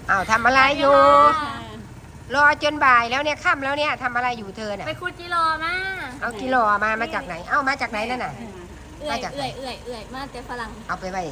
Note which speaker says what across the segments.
Speaker 1: อ้าวทำอะไรอยู่รอจนบ่ายแล้วเนี่ยค่ำแล้วเนี่ยทำอะไรอยู่เธอเนี่ย
Speaker 2: ไปขุดกิโลมา
Speaker 1: เอากิโลมาจากไหนเอ้ามาจากไหนนั่นน่ะ
Speaker 2: เอื่อยมาแต่ฝรั่ง
Speaker 1: เอาไปไว้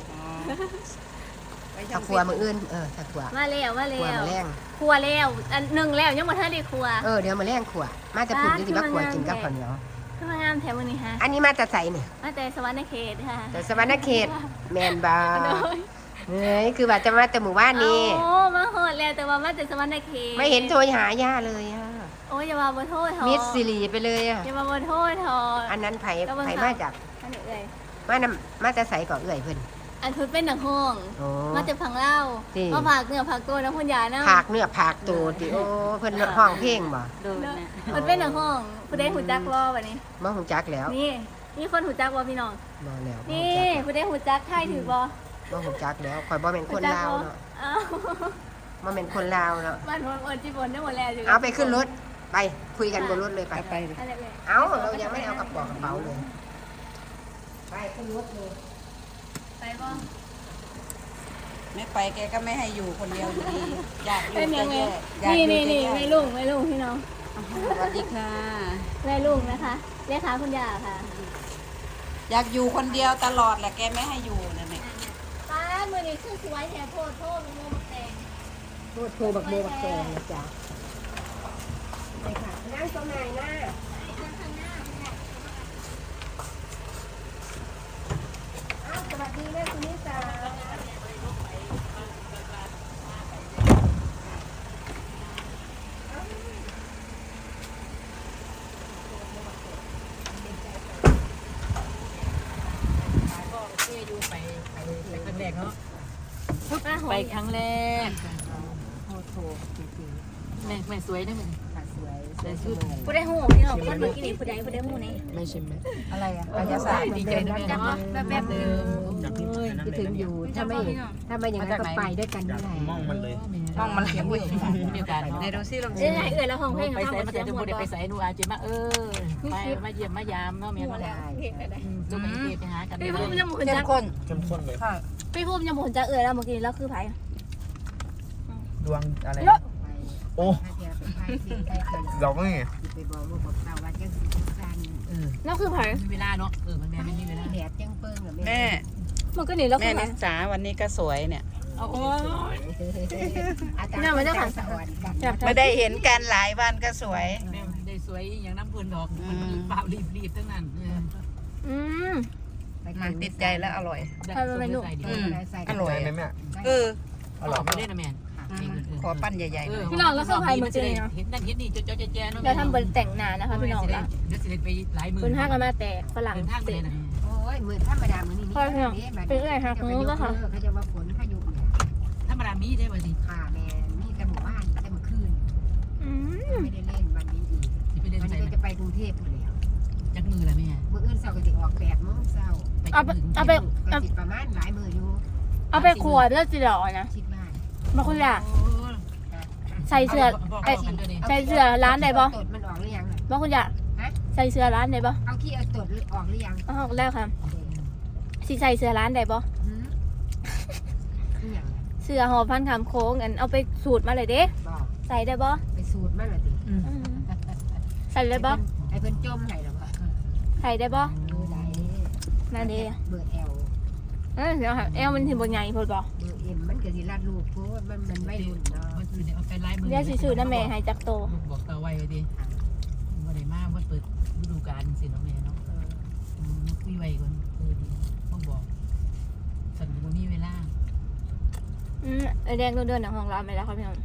Speaker 1: ถ้าครัวมืออื่นถ้าครัว
Speaker 2: มาแล้ว
Speaker 1: ครัวมาแรง
Speaker 2: ครัวแล้วอันหนึ่งแล้วยังบ่ทันได้ครัว
Speaker 1: เดี๋ยวมาแรงครัวมาจะปุ่นที่มาครัวกินกับข้าวเหนียว
Speaker 2: ขึ้นมางามแถวมื้อนี้ฮะ
Speaker 1: อันนี้มาแต่ใส่เนี่ย
Speaker 2: มาแต่สวรรค์เขตค่ะ
Speaker 1: แต่สวรรณเขตแมนบาเฮ้ยคือว่าจะมาแต่หมู่บ้านนี้
Speaker 2: โอ้มาโหดแล้วแต่ว่ามาแต่สวรรค์เขต
Speaker 1: ไม่เห็นโทรหาย่าเลยอ่ะ
Speaker 2: โอ้ยอย่ามาบ่โทษเถอะ
Speaker 1: มิดซิลีไปเลยอ่ะ
Speaker 2: อย่ามาบ่โทษเถอะ
Speaker 1: อันนั้นไผ่มาจาก
Speaker 2: อันนี้เอ่ย
Speaker 1: มาจะใส่ก่อเอื่อยเพิ่น
Speaker 2: อันทุนเป็นหนังห้อง
Speaker 1: โอ้
Speaker 2: มาแต่พังเล่า
Speaker 1: จริง
Speaker 2: มาผักเนื้อผักตัวน้ำพุ่นยานะ
Speaker 1: ผักเนื้อผักตูดิโอ้เพิ่นห้องเพลงบ่
Speaker 2: มันเป็นหนังห้องผู้ใดหูจักรอบัดนี้
Speaker 1: บ่ฮู้จักแล้ว
Speaker 2: นี่คนหูจักบ่พี่น้อง
Speaker 1: บ่แล้ว
Speaker 2: นี่ผู้ใดหูจักไทยถือบ่
Speaker 1: บ่ฮู้จักแล้วข่อยบ่แม่นคนลาวเนาะ
Speaker 2: อ้าว
Speaker 1: บ่แม่นคนลาวเนาะ
Speaker 2: บ้านคนจีบนได้หมดแล้วอยู่
Speaker 1: เอาไปขึ้นรถไปคุยกันบนรถเลยไป
Speaker 2: อะไรเลย
Speaker 1: เอาเรายังไม่ได้เอากระเป๋าเลยไปขึ้นรถเลย
Speaker 2: ไปบ่
Speaker 3: ไม่ไปแกก็ไม่ให้อยู่คนเดียวอยู่ดีอยากอยู่
Speaker 2: เป็นยังไง
Speaker 3: อยาก
Speaker 2: นี่
Speaker 3: อยู่
Speaker 2: นี่
Speaker 3: แย่
Speaker 2: ไม่ลุงพี่น้อง
Speaker 3: สวัสดีค่ะ
Speaker 2: แม่ลุงนะคะเลขาคุณยาค่ะ
Speaker 3: อยากอยู่คนเดียวตลอดแหละแกไม่ให้อยู่นั่นแหละ
Speaker 2: ป้ามือนี้คือสวยแถมโทษมันโมมาแตง
Speaker 1: โทรบักโบบักแตงนะจ๊ะไปค่ะนั่งตรงไหนนะสวัสดีแม่คุณนิสา
Speaker 4: ไปครั้งแรก
Speaker 1: โทรจริง
Speaker 4: แม่สวยได้ไหม
Speaker 1: ๆค่ะสวย
Speaker 4: ใส่ชุด
Speaker 2: ผู้ได้หูพี่น้องคนเมื่อกี้นี่ผู้ใดหูนี่
Speaker 1: ไม่ใช่ไหม
Speaker 3: อะไรอ่ะ
Speaker 1: บรรยากาศ
Speaker 4: ดีใจนะแม่เนาะ
Speaker 2: แบบเดิม
Speaker 1: คิดถึงอยู่ถ้าไม่อย่างนั้นก็ไปด้วยกันไม่ได้
Speaker 5: มองมันเลย
Speaker 3: มองมันเขียวอยู่
Speaker 4: เดียวกัน
Speaker 3: ในดูซิลอง
Speaker 2: เอ้ยเอ่ยแล้วห้องเพลง
Speaker 4: ไป
Speaker 2: เขา
Speaker 4: ใส่
Speaker 2: มา
Speaker 4: มา
Speaker 2: เสี
Speaker 4: แต่
Speaker 2: ยง
Speaker 4: จะ
Speaker 2: หม
Speaker 4: พู
Speaker 2: ด
Speaker 4: ดไปใส่นูอาจิมามาเยี่ยมมายามเนาะแม่
Speaker 2: หมด
Speaker 4: เนาะ
Speaker 2: แล้ว
Speaker 4: จุกไปเก็บไปหากัน
Speaker 2: พี่พุ่มยังหมุน
Speaker 3: เข้
Speaker 2: จั
Speaker 3: ม
Speaker 2: ก
Speaker 3: ข้น
Speaker 5: เข้มข้นเลย
Speaker 3: ค่ะ
Speaker 2: พี่พุ่มยังหมุนจักเอ่ยแล้วเมื่อกี้แล้วคือไผ
Speaker 5: ดวงอะไร โอ้
Speaker 1: เรา
Speaker 5: เราก็ไง
Speaker 1: ไปบอกลูกบอกเต่าว่าจะสิการ
Speaker 2: แล้วคือไผ
Speaker 4: มีเวลาเนาะมันแม่ไม่มีเวลา
Speaker 1: แดดจังเปิ้งเหรอ
Speaker 3: แม่
Speaker 2: มันก็หนีแล้ว
Speaker 3: แม่
Speaker 2: คือไผ
Speaker 3: นิสาวันนี้ก็สวยเนี่ย
Speaker 4: โอ้
Speaker 1: อาจารย์ไม่ได้สอนกัน
Speaker 3: ไม่ได้เห็นกันหลายวันก็สวย
Speaker 4: แม่ได้สวยอย่างน้ำพื้นดอกมันเปล่ารีบทั้งนั้น
Speaker 3: มันติดใจแล้วอร่อย
Speaker 5: อร่อยไหมแม่
Speaker 4: อร่อยไม่ได้นะแม่
Speaker 3: ขอปั้นใหญ่ๆหน่อย
Speaker 2: พี่น้องแล้วคือไผเมื่อกี้เนาะ
Speaker 4: เห็นนั่นเห็นนี่เจ้าแจ๊เนาะ
Speaker 2: เราทำบนแต่งหน้านะคะพี่น้องละ
Speaker 4: เดี๋ยวสิไปหลายมือ
Speaker 2: คุณห้ากันมาแต่ฝรั่ง
Speaker 4: เดินทางไป
Speaker 2: เศ
Speaker 4: เลย
Speaker 2: ส
Speaker 4: นะ
Speaker 1: โอ้ยมือธรรมดามือนี่เขาจะว่าฝนพายุ
Speaker 4: ธรรมดามีได้ป่ะสิ
Speaker 1: ค่ะแม่นี่แต่หมู่บ้านแต่เมื่อคืนไม่ได้เล่นวันนี้อีก
Speaker 4: สิไปเดิน
Speaker 1: วัน
Speaker 4: ใส่
Speaker 1: นี้จะไปกรุงเทพอยู่แล้ว
Speaker 4: จักมือละแม่
Speaker 1: เมื่ออื่นเสาร์ก็จะออก8 โมงเช้าก็สิประมาณหลายมืออยู่
Speaker 2: เอาไปขวดแล้วจีหล่อนะ
Speaker 1: คิดว่า
Speaker 2: มาคุณอยากใส่เสื้อร้านไหนบ่
Speaker 1: ตดมันออกหรือยัง
Speaker 2: บ่คุณอยากใส่เสื้อร้านไหนบ่
Speaker 1: เอาขี้เอาตดออกหรือยัง
Speaker 2: อ๋อแล้วค่ะสิใส่เสื้อร้านไหนบ่เสื้อหอพันคำโค้งอันเอาไปสูตรมาเลยเด้ใส่ได้บ่
Speaker 1: ไปสูตรมาเลยดิ
Speaker 2: ใส่ได้บ่
Speaker 1: ไอ้เพิ่นจมให้หรอวะ
Speaker 2: ใส่ได้บ่
Speaker 1: ไหน
Speaker 2: นั่นเด้
Speaker 1: เบอร์ L
Speaker 2: เดี๋ยวค่ะแอลมันถึงบ่ใหญ่พอบ่
Speaker 1: เบอร์ M มันก็สิรัดลูกโพดมันไม่รุ่นเนาะ
Speaker 4: มันคือเอาไปไล่มือ
Speaker 2: เดี๋ยวสิซื้อน้าแม่ให้จักโต
Speaker 4: บอกตาไว้ดิว่าได้มาว่าเปิดฤดูกาลสิเนาะแม่เนาะคุยไว้ก่อนดีต้องบอกสันบ่มีเวลา
Speaker 2: แดงเดินๆของเราไม่แล้วครับพี่น้อง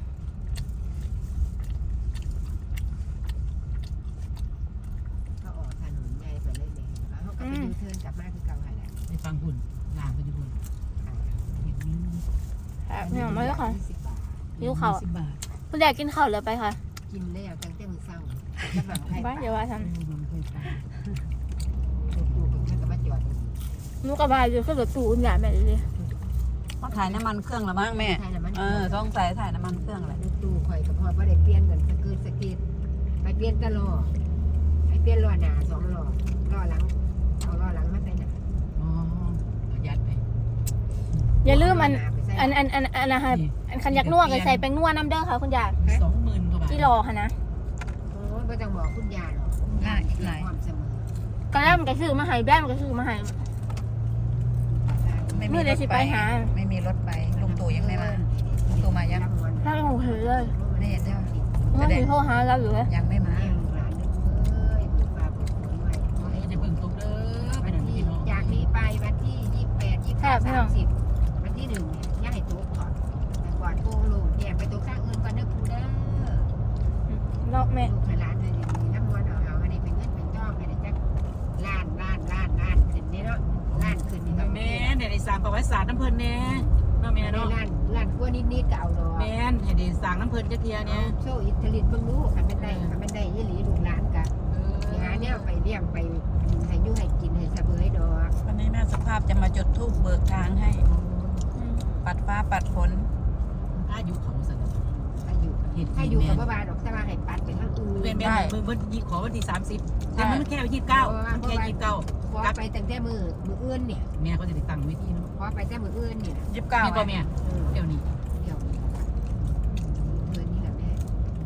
Speaker 1: เขาออกถนนใหญ่ไปเลยแม่เขาก็ไปยูเทิร์นกลับมาคือเก่าหั่นแหละ
Speaker 4: ไปฟังหุ่นลางไปดูหุ่นเห็น
Speaker 2: พี่น้องมาแล้วค่ะ
Speaker 1: 20 บาท
Speaker 2: หิวข้าว
Speaker 4: 10 บาท
Speaker 2: คุณอยากกินข้าวเลยไปค่ะ
Speaker 1: กินแล้วตั้งแต่มื้อเช้าจะมาให้
Speaker 2: บ้านเดี๋ยวว่าท
Speaker 4: มันเคยไป
Speaker 1: ดูเพิ่นก็มาจอด
Speaker 2: ำนุกกระบายอยู่ขึ้นรถตู้คุณอยากแม่เลย
Speaker 3: ต้องถ่ายน้ำมันเครื่องละมั้งแม่ต้องใส่ถ่ายน้ำมันเครื่องแหละ
Speaker 1: ดูข่อยก็พอบ่ได้เปลี่ยนกันสกิดไปเปลี่ยนตลอดไปเปลี่ยนล้อหน้า2 ล้อล้อหลังเอาล้อหลังมาใส่หน้า
Speaker 4: อ๋อยัดไป
Speaker 2: อย่าลืมมัน
Speaker 1: ไปใส่
Speaker 2: อันนะคะอันคันยักนัวก็ใส่แป้งนัวน้ำเด้อค่ะคุณยาย
Speaker 4: 20,000กว่าบาท
Speaker 2: ที่รอค่ะนะ
Speaker 1: โอ้ยไม่ต้องบอกคุณยาหรอกความเสมอ
Speaker 2: ก็แล้วมันก็ซื้อมาให้แบ้มันก็ซื้อมาให้
Speaker 3: ไม่มี
Speaker 2: เมื่อ
Speaker 3: ร
Speaker 2: เดี๋ย
Speaker 3: ถ
Speaker 2: วสิ
Speaker 3: ไป
Speaker 2: ไปหา
Speaker 3: ไม่มีรถไปลุงตู่ยังไม่มาลุงตู่มายัง
Speaker 2: ถ้าเราเห็นเลย
Speaker 3: ไม่เห็นใช่ไหม
Speaker 2: เมื่อที่โทรหาเราอยู่เลย
Speaker 3: ยังไม่มา
Speaker 4: จะเบิ่งตกเด้อไปนั่นพี่น้อง
Speaker 1: จากนี้ไปวันที่28 29 30วันที่1เนี่ยย่าให้ตุ๊กก่อนแต่ก่อนโกงลูกแยกไปตุ๊กข้างอื่นก่อนเด้อครูเด้อ
Speaker 2: รอบแม่
Speaker 1: ลูกให้ร้านเลยน้ำมันเอาอันนี้เป็นเงินเป็นทองให้ได้จักล้านขึ้นนี่เนาะล้านขึ้นนี่ก็
Speaker 4: แม่นได้สร้างประวัติศาสตร์น้ำเพิ่นแน่เนาะแม่
Speaker 1: ได้
Speaker 4: เนาะ
Speaker 1: ล้านกว่านิดๆก็เอาดอก
Speaker 4: แม่นให้ได้สร้างน้ำเพิ่นจักเที่ยเนี่ย
Speaker 1: โชว์อิทธิฤทธิ์เบิ่งรู้คันเป็นได้ยี่หลีลูกหลานกะสิหาแนวไปเลี้ยงไปให้อยู่ให้กินให้เสบยดอก
Speaker 3: วันนี้แม่สุภาพจะมาจุดธูปเบิกทางให้ ปัดฟ้าปัดฝน
Speaker 4: อายุเขาสั่น
Speaker 1: ถ้าอยู่กับบ้านดอกแต่ว่าให้ปัดไปทางอื่น
Speaker 4: แม่นเบิ่งยี่ขอวันที่30แต่มันแค่29มันแค่29
Speaker 1: ขอไปตั้งแต่มืออื่นเนี่ย
Speaker 4: แม่เขาจะได้ตั้งไว้ที่เนาะ
Speaker 1: ขอไปแต่มืออื่นเนี่ย
Speaker 3: 29
Speaker 4: แม่บ่แม่เดี๋ยวนี้
Speaker 1: เดี๋ยวนี้นี่แหละแม่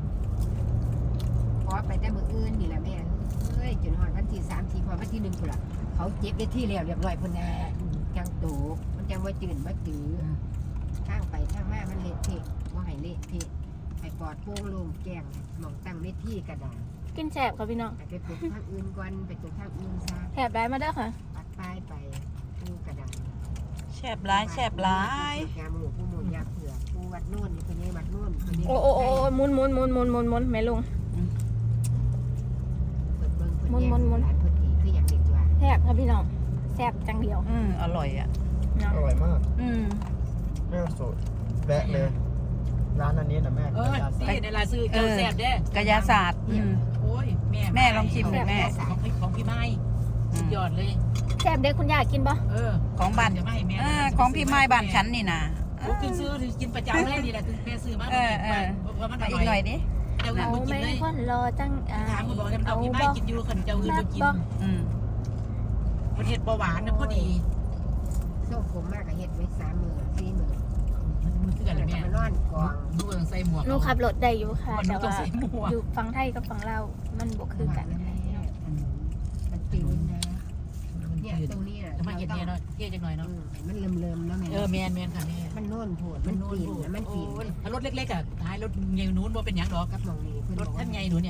Speaker 1: ขอไปแต่มืออื่นนี่แหละแม่เอ้ยจนฮอดวันที่30พอวันที่1พุ่นล่ะเขาเจ็บได้ที่แล้วเรียบร้อยพุ่นน่ะจังโตมันจังว่าจืดบ่จืดทางไปทางมามันเละเทะบ่ให้เละเทะให้ปลอดโปร่งโล่งแจ้งหมองตั้งเวทีกระดาษ
Speaker 2: กินแสบค่ะพี่น้อง
Speaker 1: ไปปลูกทางอื่นก่อนไปปลูกทางอื่นซะ
Speaker 2: แสบได้มาเด้อค่ะ
Speaker 1: ปัดป้ายไปปูกระดาษ
Speaker 3: แฉบร้ายแฉบร้าย
Speaker 1: ยาหมูปูหมูยาเผือกปูวัดโน่นคนนี้วัดโน่นคนนี้
Speaker 2: โอ้มุนแม่ลุง
Speaker 1: เปิดเบิ้ง
Speaker 2: หมุน
Speaker 1: ร้านเพิ่นอีกคืออย่างเด็กว่า
Speaker 2: แสบค่ะพี่น้องแสบจังเดียว
Speaker 3: อร่อยอ่ะ
Speaker 2: เนาะ
Speaker 5: อร่อยมาก
Speaker 3: แม่
Speaker 5: แม่สูตรแวะเลย ร้านอันนี้นะแม่
Speaker 4: ที่ในลายซื้อเจ้าแซ่บเด้
Speaker 3: กายาศาสตร์
Speaker 4: โอ้ยแม่ของพี่ไม้สุดยอดเลย
Speaker 2: แสบเด็กคุณยายกินปะ
Speaker 3: ของบ้าน
Speaker 4: จะไม่ให้แม่
Speaker 3: ของพี่ไม้บ้านฉันนี่นะ
Speaker 4: กินซื้อกินประจำเลยนี่แหละคือแม่ซื้อมาว่ามันอ
Speaker 3: มาอี
Speaker 4: ร่
Speaker 3: กหน่
Speaker 4: อ
Speaker 3: อย ยดิ
Speaker 4: เจ้าอื่น
Speaker 2: เอา
Speaker 4: บ่กิ
Speaker 2: ไม่
Speaker 4: นเลย
Speaker 2: คนรอจัง
Speaker 4: ถามคุณบอกจะเอาพี่ไม้กินอยู่ขันเจ้าอื่นบ่กินประเทศเบาหวานนะพอดี
Speaker 1: ส้มผมมากกับเห็ดไว้3 มื้อ4 มื้อ
Speaker 4: มันคืออะไร
Speaker 1: แล้ว
Speaker 4: แม่
Speaker 1: ก็มานอนกอง
Speaker 4: ดูต้องใส่หมวก
Speaker 2: หนูขับรถได้อยู่ค่ะ
Speaker 4: มัน
Speaker 2: แต่
Speaker 4: ต้อง
Speaker 2: ว่า
Speaker 4: ใส่หมวก
Speaker 2: อยู่ฝั่งไทยกับฝั่งลาวมันบวคือกัน
Speaker 1: มันตื่นนะเนี่ยตรงนี้น่ะ
Speaker 4: ทำไมเย็นเนี่ยเนาะเย็นจังหน่อยเนาะ
Speaker 1: มันเริ่มๆแล้วแม่
Speaker 4: แมนค่ะแม่
Speaker 1: มันโน่นโผดมันปีนนะมันปีน
Speaker 4: ถ้ารถเล็กๆอ่ะท้ายรถใหญ่นู้นว่าเป็นอย่างดอก
Speaker 1: กับมองนี่เพิ่น
Speaker 4: ร
Speaker 1: บ
Speaker 4: ถ
Speaker 1: อกว่า
Speaker 4: ท่านใหญ่หนูเนี่ย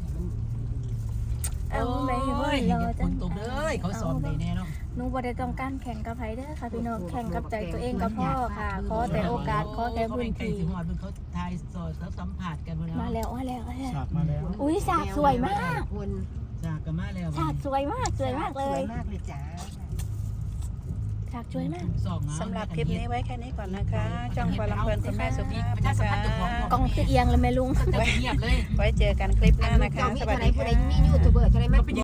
Speaker 2: เอาไม่คนรอ
Speaker 4: ค
Speaker 2: จัง
Speaker 4: นตกเลยเขาสอนเลยแน่เนาะ
Speaker 2: หนูบ่ได้ต้องการแข่งกับไผเด้อค่ะพี่น้องแข่งกับใจตัวเองกับพ่อค่ะขอแต่โอกาสขอแต่พื้น
Speaker 4: ที่
Speaker 2: ที่
Speaker 4: ถึงหอดเขาทายสอดแล้วสัมผัสกัน
Speaker 2: มาแล้ว
Speaker 5: ฉากมาแล้ว
Speaker 2: อุ้ยสากสวยมาก
Speaker 1: คน
Speaker 4: จากกันมาแล้ว
Speaker 2: ฉากสวยมากเลย
Speaker 1: สวยมากเลยจ้า
Speaker 2: ฉากสวยมาก
Speaker 3: สำหรับคลิปนี้ไว้แค่นี้ก่อนนะคะจ้องปลาลำเพลินคุณแม่สุภาพนะคะ
Speaker 2: กล้องคือเอียงเลยแม่ลุง
Speaker 4: จะเงียบเลย
Speaker 3: ไว้เจอกันคลิปหน้านะคะ
Speaker 1: มี
Speaker 3: สวัส
Speaker 1: เท่าไร
Speaker 3: ดี
Speaker 1: ผู้ใด
Speaker 3: ค่ะ
Speaker 1: มียูทูบเบอร์เท่าไรมา